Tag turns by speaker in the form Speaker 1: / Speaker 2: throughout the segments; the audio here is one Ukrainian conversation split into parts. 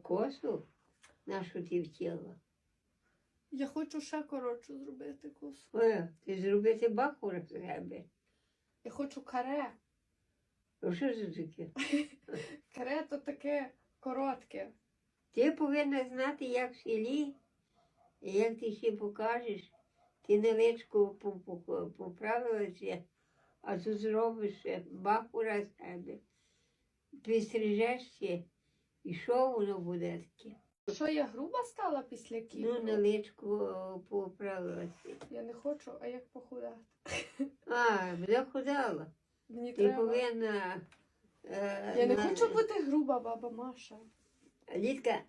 Speaker 1: косу нашу ти втіла.
Speaker 2: Я хочу ще коротшу зробити косу.
Speaker 1: Ти зробити бахур з себе.
Speaker 2: Я хочу каре.
Speaker 1: Ну що це таке?
Speaker 2: Каре то таке коротке.
Speaker 1: Ти повинна знати, як в селі, і як ти ще покажеш. Ти невеличко поправилася, а тут зробиш бахура з себе. Підстрижешся, і що воно буде таке?
Speaker 2: Що, я груба стала після кіпру?
Speaker 1: Ну, невеличко поправилася.
Speaker 2: Я не хочу, а як похудати?
Speaker 1: Захудала.
Speaker 2: Мені
Speaker 1: Ти
Speaker 2: треба.
Speaker 1: повинна...
Speaker 2: Я не хочу бути груба, баба Маша.
Speaker 1: Літка,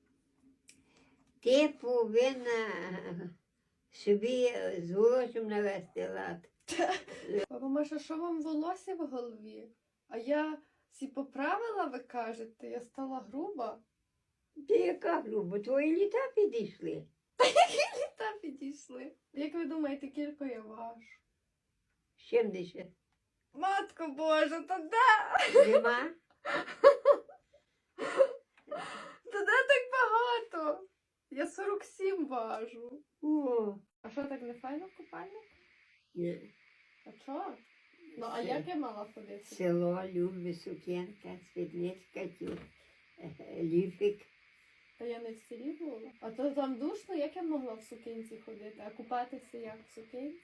Speaker 1: ти повинна собі з волоссям навести лад.
Speaker 2: Баба Маша, що вам волосся в голові? А я сі поправила, ви кажете, я стала груба.
Speaker 1: Ти яка груба? Твої літа підійшли.
Speaker 2: Та підійшли. Як ви думаєте, кілько я важу?
Speaker 1: 70.
Speaker 2: Матко Божа, то де?
Speaker 1: Нема?
Speaker 2: То де так багато? Я 47 важу.
Speaker 1: О,
Speaker 2: А що, так не файно в купальник?
Speaker 1: ні.
Speaker 2: А чого? Ну, а як я мала ходити?
Speaker 1: Село, Любі, сукенка, світличка, ліфик.
Speaker 2: Та я не в селі була. А то там душно, як я могла в сукенці ходити? А купатися як в сукенці?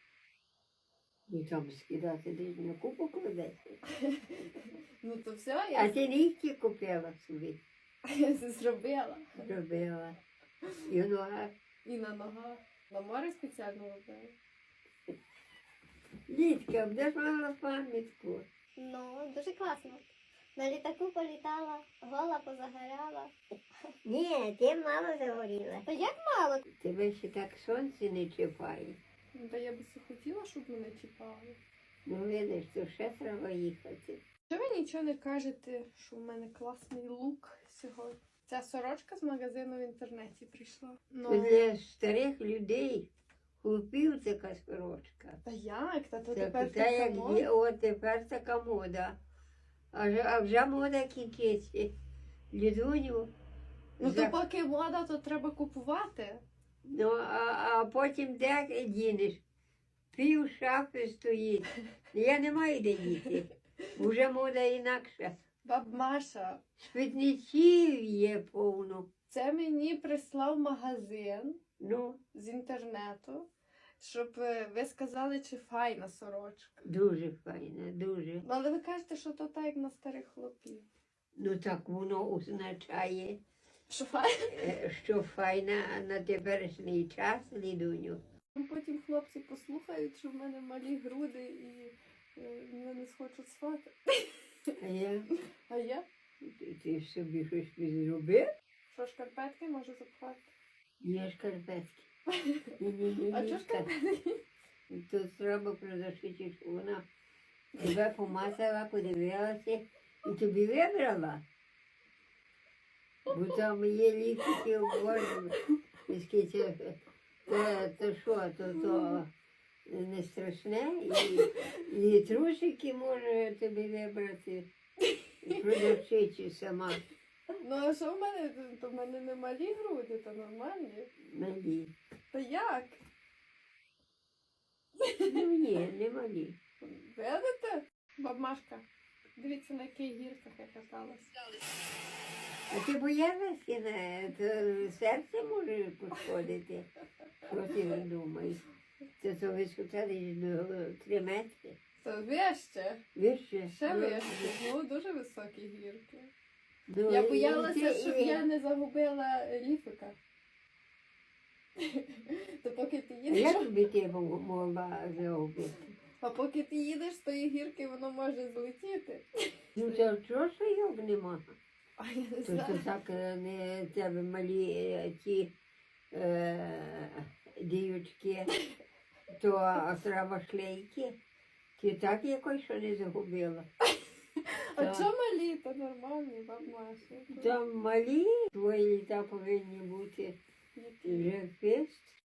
Speaker 1: І там скидати десь на купу кладеться.
Speaker 2: Ну то все,
Speaker 1: А
Speaker 2: я
Speaker 1: ти нігті купила собі.
Speaker 2: це зробила.
Speaker 1: Робила. І в ногах.
Speaker 2: І на ногах. На море спеціально робила.
Speaker 1: Літка, будеш мала пам'ятку.
Speaker 3: Ну, дуже класно. На літаку політала, гола позагоряла.
Speaker 1: Ні, ти мало загоріла.
Speaker 3: То як мало?
Speaker 1: Тебе ще так сонце не чіпає.
Speaker 2: Ну, та я би все хотіла, щоб мене чіпали.
Speaker 1: Ну, видиш, то ще треба їхати.
Speaker 2: Що ви нічого не кажете, що в мене класний лук сьогодні? Ця сорочка з магазину в інтернеті прийшла.
Speaker 1: Це
Speaker 2: Ну,
Speaker 1: для старих людей, хлопів така сорочка.
Speaker 2: та як? Та то
Speaker 1: Це
Speaker 2: тепер
Speaker 1: та, як
Speaker 2: така
Speaker 1: є,
Speaker 2: мода.
Speaker 1: от тепер така мода. А вже мода кінчиться. Лідуню.
Speaker 2: Ну то поки мода, то треба купувати.
Speaker 1: Ну, а потім де дінеш? Пів шафи стоїть. Я не маю де діти. Вже мода інакша.
Speaker 2: Баб Маша,
Speaker 1: Спідничів є повно.
Speaker 2: це мені прислав магазин
Speaker 1: Ну,
Speaker 2: з інтернету, щоб ви сказали, чи файна сорочка.
Speaker 1: дуже файна, дуже.
Speaker 2: Ну, але ви кажете, що то так, як на старих хлопів.
Speaker 1: Ну так воно означає,
Speaker 2: Що файна?
Speaker 1: що файна на теперішній час, Лідуню.
Speaker 2: Потім хлопці послухають, що в мене малі груди і мене не схочуть свати.
Speaker 1: А я,
Speaker 2: А я?
Speaker 1: ти собі щось зробив?
Speaker 2: Що, шкарпетки можу запхати?
Speaker 1: Є шкарпетки. Ні-ні-ні.
Speaker 2: А чого шкарпетки?
Speaker 1: Тут треба продавчити, що вона тебе помацала, подивилася і тобі вибрала. Бо там є ліки, обожні. То що, то не страшне. І трусики може тобі вибрати. Продавчиці сама.
Speaker 2: Ну, а що в мене? То в мене не малі груди, то нормальні.
Speaker 1: Малі.
Speaker 2: Та як?
Speaker 1: Ну ні, не малі.
Speaker 2: Видите? Бабмашка, дивіться, на яких гірках я каталась.
Speaker 1: А ти боялася, то серце може пошкодити. Що ти думаєш? Це висота десь до 3 метри.
Speaker 2: Це вище.
Speaker 1: Вище?
Speaker 2: Ще вище. Ну, дуже високі гірки.
Speaker 1: Ну,
Speaker 2: Я
Speaker 1: і
Speaker 2: боялася,
Speaker 1: ти-
Speaker 2: щоб я не загубила ліфика. То поки ти їдеш,
Speaker 1: Як би ти могла загубити?
Speaker 2: а поки ти їдеш з тої гірки, воно може злетіти.
Speaker 1: Ну, то чого ж його нема?
Speaker 2: А я не
Speaker 1: То
Speaker 2: знаю.
Speaker 1: так не тебе малі ті дівчатки, то треба шлейки. Ти так якось що не загубила.
Speaker 2: А
Speaker 1: Так.
Speaker 2: чому малі? То нормальні, бабмаша.
Speaker 1: Там малі твої літа повинні бути
Speaker 2: Які?
Speaker 1: вже фест.